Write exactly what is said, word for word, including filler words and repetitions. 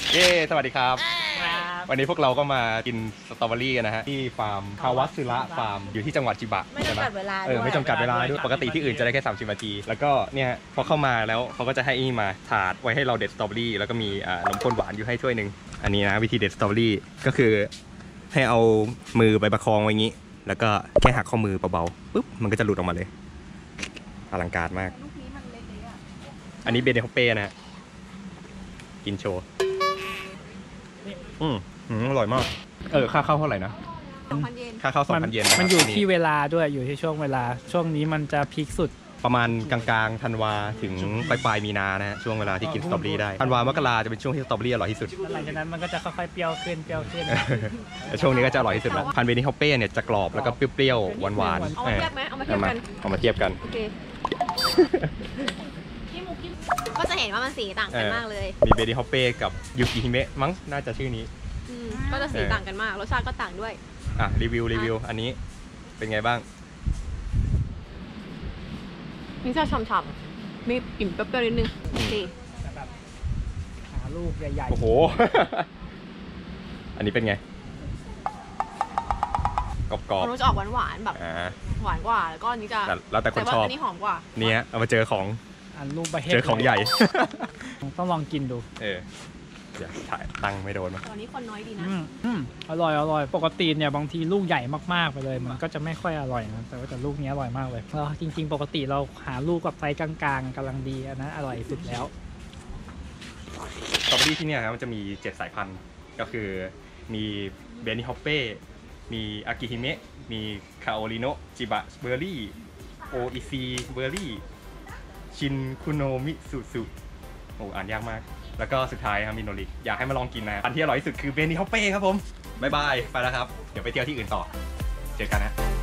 เย้สวัสดีครับวันนี้พวกเราก็มากินสตรอเบอรี่กันนะฮะที่ฟาร์มคาวัตสึระฟาร์มอยู่ที่จังหวัดจิบะไม่จำกัดเวลาด้วยเออไม่จำกัดเวลาด้วยปกติที่อื่นจะได้แค่สามสิบนาทีแล้วก็เนี่ยพอเข้ามาแล้วเขาก็จะให้นี่มาถาดไว้ให้เราเด็ดสตรอเบอรี่แล้วก็มีอ่านมข้นหวานอยู่ให้ถ้วยหนึ่งอันนี้นะวิธีเด็ดสตรอเบอรี่ก็คือให้เอามือไปประคองไว้อย่างนี้แล้วก็แค่หักข้อมือเบาๆปุ๊บมันก็จะหลุดออกมาเลยอลังการมากอันนี้เบเนฮอปเป้นะฮะกินโชว์อืมอร่อยมากเออค่าเข้าเท่าไหร่นะค่าเข้าสองพันเยนมันอยู่ที่เวลาด้วยอยู่ที่ช่วงเวลาช่วงนี้มันจะพีคสุดประมาณกลางๆธันวาถึงปลายปลายมีนานะฮะช่วงเวลาที่กินสตรอเบอรี่ได้ธันวามกราจะเป็นช่วงที่สตรอเบอรี่อร่อยที่สุดหลังจากนั้นมันก็จะค่อยๆเปรี้ยวขึ้นเปรี้ยวขึ้นแต่ช่วงนี้ก็จะอร่อยที่สุดแล้วพันเบนิฮอปเป้เนี่ยจะกรอบแล้วก็เปรี้ยวๆหวานๆเอามาเทียบไหมเอามาเทียบกันเอามาเทียบกันโอเคก็จะเห็นว่ามันสีต่างกันมากเลยมีเบนิฮอปเป้กับยูกิฮิเมะมั้งน่าจะชื่อนี้ก็จะสีต่างกันมากรสชาติก็ต่างด้วยอ่ะรีวิวรีวิวอันนี้เป็นไงบ้างนี่จะฉ่ำๆมีกลิ่นเปรี้ยวๆนิดนึงดีแบบหาลูกใหญ่ๆโอ้โหอันนี้เป็นไงกรอบๆมันจะออกหวานๆแบบหวานกว่าแล้วก็อันนี้จะแล้วแต่คนชอบอันนี้หอมกว่าเนี่ยเอามาเจอของอันลูกใบเจอของใหญ่ต้องลองกินดูเออเดี๋ยวถ่ายตั้งไม่โดนมั้ยตอนนี้คนน้อยดีนะอืมอร่อยอร่อยปกติเนี่ยบางทีลูกใหญ่มากๆไปเลยมันก็จะไม่ค่อยอร่อยนะแต่ว่าแต่ลูกนี้อร่อยมากเลยแล้วจริงๆปกติเราหาลูกกับไซส์กลางๆกำลังดีอันนั้นอร่อยสุดแล้วสตรอเบอรี่ที่นี่ครับมันจะมีเจ็ดสายพันธุ์ก็คือมีเบนิฮอปเป้มีอากิฮิเมะมีคาโอริโนะจิบะเบอร์รี่โออิซีเบอร์รี่ชินคุโนมิสุสุโอ้อ่านยากมากแล้วก็สุดท้ายครับมิโนริอยากให้มาลองกินนะอันที่อร่อยที่สุดคือเบนิฮอปเป้ครับผมบ๊ายบายไปแล้วครับเดี๋ยวไปเที่ยวที่อื่นต่อเจอกันนะ